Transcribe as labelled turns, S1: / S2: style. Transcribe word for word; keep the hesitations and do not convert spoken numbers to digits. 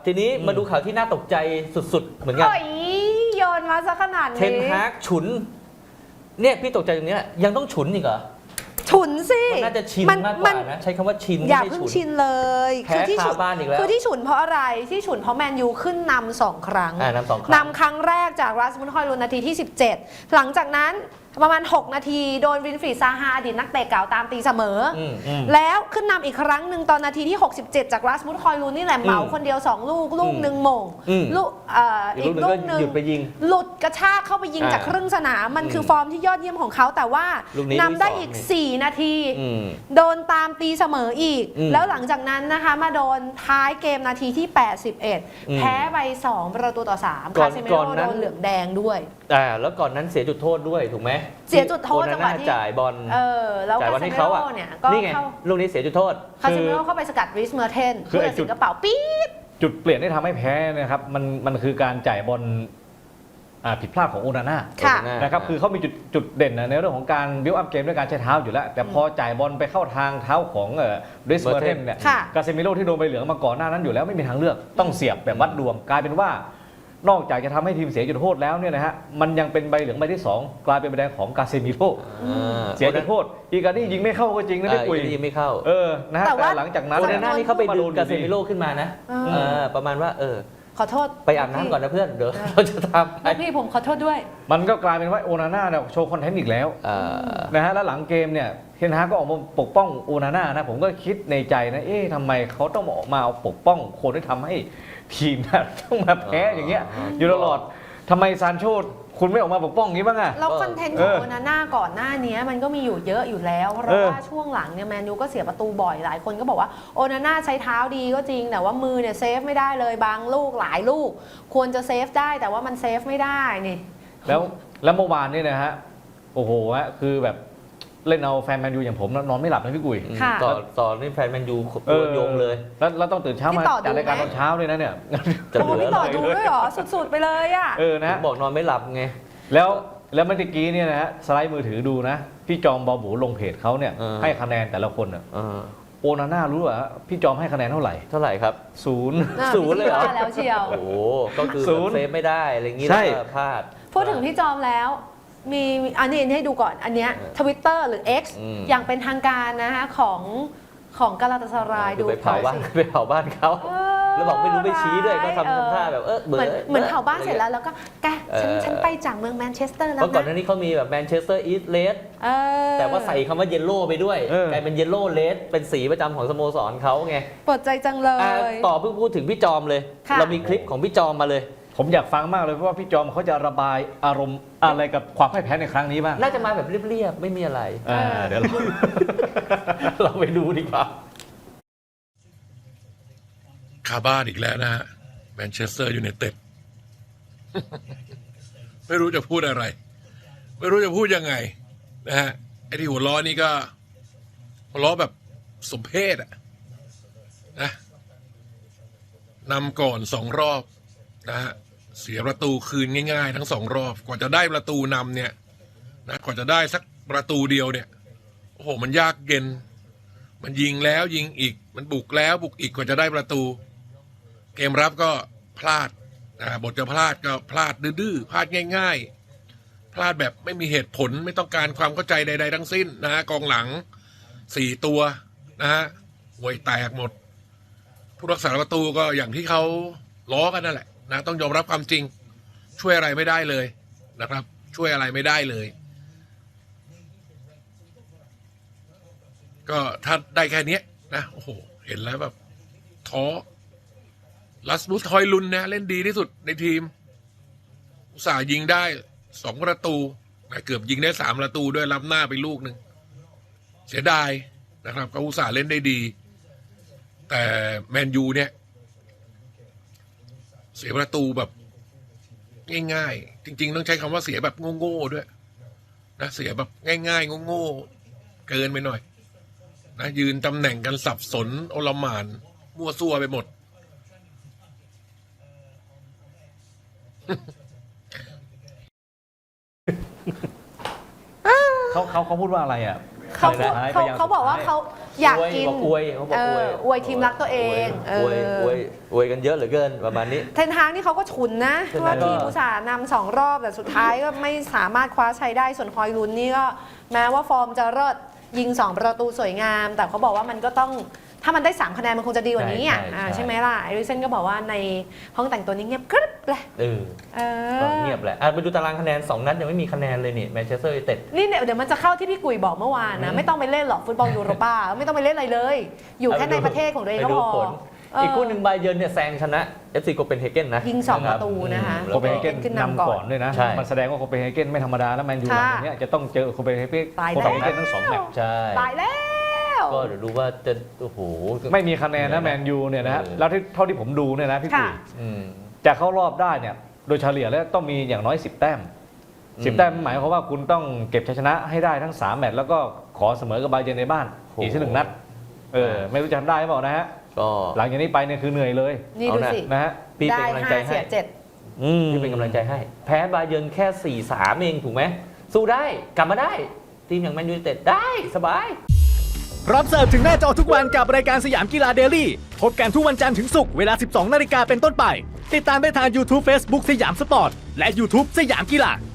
S1: ทีนี้มาดูข่าวที่น่าตกใจสุดๆเหมือนกัน
S2: โอ้ยโยนมาซะขนาดนี้
S1: เทนฮากฉุนเนี่ยพี่ตกใจตรงนี้ยังต้องฉุนอีกเหรอ
S2: ฉุนสิ
S1: มันน่าจะชินมากกว่านะใช้คำว่าชิน
S2: อย่า
S1: ไม่
S2: เพิ่ง
S1: ฉุน
S2: ชินเลย
S1: แพ้คาบ้านอีกแล้ว
S2: คือที่ฉุนเพราะอะไรที่ฉุนเพราะแมนยูขึ้นนำสองครั้ง
S1: อ่านำสองครั้ง
S2: นำครั้งแรกจากรัสมุนฮอยลุนนาทีที่สิบเจ็ดหลังจากนั้นประมาณหกนาทีโดนวินฟรีดซาฮาอดีตนักเตะเก่าตามตีเสมออ
S1: มอืม
S2: แล้วขึ้นนำอีกครั้งหนึ่งตอนนาทีที่หกสิบเจ็ดจากรัสมุนฮอยลุนนี่แหละเหมา
S1: อืม
S2: คนเดียวสองลูกลูกหนึ่งหม่ง
S1: อืม
S2: ลูกเอ่อ
S1: อี
S2: อี
S1: ก
S2: ก
S1: ลู
S2: ลู
S1: ก
S2: ก
S1: ห
S2: ห
S1: นึ่
S2: นึ่
S1: ง
S2: ง
S1: ก็หยุดไปยิง
S2: หลุดกระชากเข้าไปยิง
S1: อ่า
S2: จากครึ่งสนามมัน
S1: อืม
S2: คือฟอร์มที่ยอดเยี่ยมของเขาแต่ว่า
S1: ลูกนี้
S2: นำได้
S1: ลูกที่สอง
S2: อีกสี่นาที
S1: อืม
S2: โดนตามตีเสมออีก
S1: อืม
S2: แล้วหลังจากนั้นนะคะมาโดนท้ายเกมนาทีที่แปดสิบเอ็ด
S1: อืม
S2: แพ้ไปสองประตูต่อสาม
S1: ก่อ
S2: คาน เซมิ
S1: ก่
S2: โร่
S1: อนนั้น
S2: โดนเหลืองแดงด้วย
S1: อ่าแล้วก่อนนั้นเสียจุดโทษด้วยถูกไหม
S2: เสียจุดโทษ
S1: โอ
S2: จังหะ
S1: นาวน่า
S2: ที่
S1: จ่ายบอล
S2: เออแล้ว
S1: จ่าย
S2: คา
S1: บอล
S2: เซ
S1: ให้
S2: มิ
S1: เขา
S2: โร่
S1: อ่ะ
S2: เนี่ยก็
S1: นี่ไง
S2: เข้า
S1: ลูกนี้เสียจุดโทษ
S2: คาเซมิโร่เข้าไปสกัดริสเมอร์เทน
S3: คือ
S2: เพื่
S3: ไอ้
S2: อ
S3: จุ
S2: สิ
S3: ด
S2: งกระเป๋าปี๊ด
S3: จุดเปลี่ยนที่ทำให้แพ้เนะครับมันมันคือการจ่ายบอลอ่าผิดพลาดของโอนาน่า
S2: ค่ะ
S1: โอนาน่า
S3: นะครับคือเขามีจุดจุดเด่นนะในเรื่องของการบิวอัพเกมด้วยการใช้เท้าอยู่แล้ว แต่พอจ่ายบอลไปเข้าทางเท้าของเอ่อเดสเมอร์เทนเนี่ย
S2: ค่ะ
S3: กาเซมิโร่ที่โดนใบเหลืองมาก่อนหน้านั้นอยู่แล้วไม่มีทางเลือกต้องเสียบแบบวัดดวงกลายเป็นว่านอกจากจะทำให้ทีมเสียจุดโทษแล้วเนี่ยนะฮะมันยังเป็นใบเหลืองใบที่สองกลายเป็นใบแดงของกาเซมิโร่
S1: อ่า
S3: เสียจุดโทษอีกานี่ยิงไม่เข้าก็จริงนะ
S1: อ่า
S3: พี่กุย
S1: อีกทียิงไม่เข้า
S3: เออนะฮะ
S2: แต่ว่า
S3: แต่หลังจากนั้น
S1: โอ
S3: เนี่
S1: นาย น่านี่เขาไปดึงกาเซมิโร่
S3: ดี
S1: ขึ้นมานะ
S2: อืม
S1: เออประมาณว่าเออ
S2: ขอโทษ
S1: ไปอาบน้ำก่อนนะเพื่อนเดี๋ยวเราจะทำ
S2: ลูกพี่ผมขอโทษด้วย
S3: มันก็กลายเป็นว่าโอนาน่าเนี่ยโชว์คอนเทนต์อีกแล้ว
S1: อ่า
S3: นะฮะแล้วหลังเกมเนี่ยเทนฮากก็ออกมาปกป้องโอนาน่านะผมก็คิดในใจนะเอ๊ะทำไมเขาต้องออกมาเอาปกป้องคนที่ทำให้ทีมนะต้องมาแพ้อย่างเงี้ยอยู่ตลอดทำไมซานโชคุณไม่ออกมาปกป้องอย่างนี้บ้างอะ
S2: แล้วคอนเทนต์ข
S3: เอ
S2: อง
S3: อ
S2: โอนาน่าก่อนหน้านี้มันก็มีอยู่เยอะอยู่แล้ว เพ
S3: เอ
S2: ราะ
S3: อ
S2: ว่าช่วงหลังเนี่ยแมนยูก็เสียประตูบ่อยหลายคนก็บอกว่าโอนาน่าใช้เท้าดีก็จริง แต่ว่ามือเนี่ยเซฟไม่ได้เลยบางลูกหลายลูก ควรจะเซฟได้แต่ว่ามันเซฟไม่ได้นี่
S3: แล้วแล้วเมื่อวานนี่นะฮะโอ้โหฮะคือแบบเล่นเอาแฟนแมนยูอย่างผมนอนไม่หลับนะพี่กุย
S2: ค่ะ
S1: ต่อต่อนี่แฟนแมนยู
S3: เออ
S1: โยงเลย
S3: แล้วแล้วต้องตื่นเช้ามา
S2: พี่ต่อ
S3: จัดรายการ
S2: ดูไหม
S3: ตอนเช้าด้วยนะเนี่ย
S1: จะ
S2: โอ้
S1: เหลือ
S2: พี่ต่อ
S1: อะไร
S2: ดูด้วยเหรอสุดๆไปเลยอ่ะ
S3: เออนะ
S1: ผมบอกนอนไม่หลับไง
S3: แล้วแล้วเมื่อกี้เนี่ยนะฮะสไลด์มือถือดูนะ พี่จอมบอบูลงเพจเขาเนี่ย
S1: เออ
S3: ให้คะแนนแต่ละคนอ่ะ
S1: เออ
S3: โอนาน่ารู้เหรอพี่จอมให้คะแนนเท่าไหร่
S1: เท่าไหร่ครับ
S3: ศูนย์
S2: น่า
S1: ศูนย์เลยเหรอ
S2: พี่ว่าแล้วเชียว
S1: โอ้โหก็คือ
S3: ศูนย์
S1: เซฟไม่ได้อะไรอย่างงี้
S3: ใช่
S1: แล้วก็พลาด
S2: พูดถึงพี่จอมแล้วมีอันนี้ให้ดูก่อนอันเนี้ย
S1: เออ
S2: ทวิตเตอร์หรือ X
S1: อืม
S2: อย่างเป็นทางการนะคะของของกาลาตาสาราย
S1: คือ
S2: ดู
S1: ไปเผาบ้าน
S2: สิ
S1: ไปเผาบ้านเขา
S2: เออ
S1: แล้วบอกไม่รู้ไม่ชี้ด้วยก็ทำ
S2: เออ
S1: ทำท่าแบบเออ
S2: เห
S1: เบื่
S2: มื
S1: อ
S2: อนเหมือนเผาบ้านเสร็จแล้วแล้วก็แกฉัน
S1: เออ
S2: ฉันไปจากเมืองแมนเชสเตอร์แล้ว
S1: เพราะก่อนห
S2: นะ
S1: น้านี้เขามีแบบแมนเชสเตอร์อีสต์เลส
S2: เออ
S1: แต่ว่าใส่คำว่าเยลโล่ไปด้วย
S3: เออก
S1: ลายเป็นเยลโล่เลสเป็นสีประจำของสโมสรเขาไง
S2: ปวดใจจังเล
S1: อ่ะ
S2: ย
S1: ต่อเพิ่งพูดถึงพี่จอมเลย
S2: ค่ะ
S1: เรามีคลิปของพี่จอมมาเลย
S3: ผมอยากฟังมากเลยเพราะว่าพี่จอมเขาจะระบายอารมณ์อะไรกับความพ่ายแพ้ในครั้งนี้บ้าง
S1: น่าจะมาแบบเรียบๆไม่มีอะไร
S3: อ่าเดี๋ยวเรา
S1: เราไปดูดีกว่า
S4: คาบ้านอีกแล้วนะฮะแมนเชสเตอร์ยูไนเต็ด ไม่รู้จะพูดอะไร ไม่รู้จะพูดยังไงนะฮะไอ้ที่หัวล้อนี่ก็หัวล้อแบบสมเพศอะนะนำก่อนสองรอบนะฮะเสียประตูคืนง่ายๆ ทั้งสองรอบกว่าจะได้ประตูนำเนี่ยนะกว่าจะได้สักประตูเดียวเนี่ยโอ้โหมันยากเย็น มันยิงแล้วยิงอีกมันบุกแล้วบุกอีกกว่าจะได้ประตู เกมรับก็พลาดนะบทจะพลาดก็พลาดดื้อๆพลาดง่ายๆ พลาดแบบไม่มีเหตุผลไม่ต้องการความเข้าใจใดๆทั้งสิ้นนะฮะกองหลังสี่ตัวนะฮะห่วยแตกหมด ผู้รักษาประตูก็อย่างที่เขาล้อกันนั่นแหละนะต้องยอมรับความจริง ช่วยอะไรไม่ได้เลยนะครับ ช่วยอะไรไม่ได้เลย ก็ถ้าได้แค่นี้นะโอ้โหเห็นแล้วแบบท้อลัสมุสทอยลุนนะเล่นดีที่สุดในทีม อุตส่าห์ยิงได้สองประตูนะเกือบยิงได้สามประตูด้วยรับหน้าไปลูกหนึ่งเสียดายนะครับก็อุตส่าห์เล่นได้ดี แต่แมนยูเนี่ย เสียประตูแบบง่ายๆ จริงๆต้องใช้คำว่าเสียแบบโง่ๆด้วยนะเสียแบบง่ายๆโง่ๆเกินไปหน่อยนะยืนตำแหน่งกันสับสนโอลหม่านมั่วซั่วไปหมด
S3: เขาเขาเขาพูดว่าอะไรอ่ะ
S2: เขาพูด
S3: ท้ย
S2: เขา
S3: พยยม
S2: เขาบอกว่า
S3: สุดท้ย
S2: เขาอยากกิน
S1: บอกอวยเขาบอ
S2: เอก
S1: อวย
S2: ออวยทีมรักตัวเอง
S1: อวย
S2: เออ
S1: อวยอวยกันเยอะเหลือเกินประมาณนี้
S2: เทนฮางนี่เขาก็ฉุนนะ
S1: เทนฮาง
S2: ว่าทีม
S1: ก็
S2: อุตสาห์นำสองรอบแต่สุดท้ายก็ไม่สามารถคว้าชัยได้ส่วนฮอยลุนนี่ก็แม้ว่าฟอร์มจะเลิศยิงสองประตูสวยงาม แต่เขาบอกว่ามันก็ต้องถ้ามันได้สามคะแนนมันคงจะดีกว่านี้อ่ะ
S1: ใช่ใช่
S2: อ่า
S1: ใช่
S2: ใช่ไหมล่ะเอริกเซนก็บอกว่าในห้องแต่งตัวนี้เงียบกริบเลย
S1: เออ
S2: เอ
S1: ก็
S2: อ
S1: เงียบแหละอ่ะไปดูตารางคะแนนสองนัดยังไม่มีคะแนนเลยนี่แมนเชสเตอร์ยูไนเต็ด
S2: นี่เดี๋ยวเดี๋ยวมันจะเข้าที่พี่กุยบอกเมื่อวานนะ
S1: อืม
S2: ไม่ต้องไปเล่นหรอกฟุตบอลยูโรป้าไม่ต้องไปเล่นอะไรเลย อยู่แค่ในประเทศของตัวเองก็
S1: ไปดู
S2: พอ
S1: ผล
S2: เอออี
S1: อีกคู่หนึ่งไบเยิร์นเนี่ยแซงชนะ เอฟ ซี โคเปนเฮเกนนะ
S2: ยิงสอง
S1: นคบ
S2: ประตูนะคะ
S1: อืม
S3: โคเปนเฮเกน
S2: ขึ้นนำ
S3: นำ
S2: ก่
S3: ก่
S2: อ
S3: อน นด้วยนะ
S1: ใช่
S3: มันแสดงว่าโคเปนเฮเกนไม่ธรรมดาแล้วแมนยูหลังจากเนี้ยจะต้องเจอโคเปนเฮเกน
S2: ตาย
S3: โค
S2: แล้ว
S3: เปนเฮเกนทั้งสองแมตช์
S1: ใช่
S2: ตายแล้ว
S1: ก็เดี๋ยวดูว่าจะโอ้โห
S3: ไม่มีคะแนนนะแมนยูเนี่ยนะฮะ
S1: เออ
S3: แล้วที่เท่าที่ผมดูเนี่ยนะพี่กุย
S2: ค่ะ
S1: อืม
S3: จะเข้ารอบได้เนี่ยโดยเฉลี่ยแล้วต้องมีอย่างน้อยสิบแต้ม
S1: อืม
S3: สิบแต้มหมายความว่าคุณต้องเก็บชัยชนะให้ได้ทั้งสามแมตช์แล้วก็ขอเสมอกับไบเยิร์นในบ้าน
S1: โห
S3: อีกสักหนึ่งนัดเออไม่รู้จะทำได้หรือเปล่านะฮะ
S1: ก็
S3: หลังจากนี้ไปเนี่ยคือเหนื่อยเลย
S2: นี่ดูสิ
S3: นะฮะ
S1: พี่
S2: ได้
S1: เป็นกำลัง
S2: ห้า
S1: ใจ
S2: เสี
S1: ให้
S2: ยเจ็ด
S3: อืม
S1: พี่เป็นกำลังใจให้ แพ้ไบเยิร์นแค่ สี่สาม เองถูกไหมสู้ได้กลับมาได้ ทีมอย่างแมนยูไนเต็ดได้สบาย
S5: รับเสิร์ฟถึงหน้าจอทุกวันกับรายการสยามกีฬาเดลี่พบกันทุกวันจันทร์ถึงศุกร์เวลา สิบสองนาฬิกาเป็นต้นไป ติดตามได้ทาง YouTube Facebook สยามสปอร์ต และ YouTube สยามกีฬา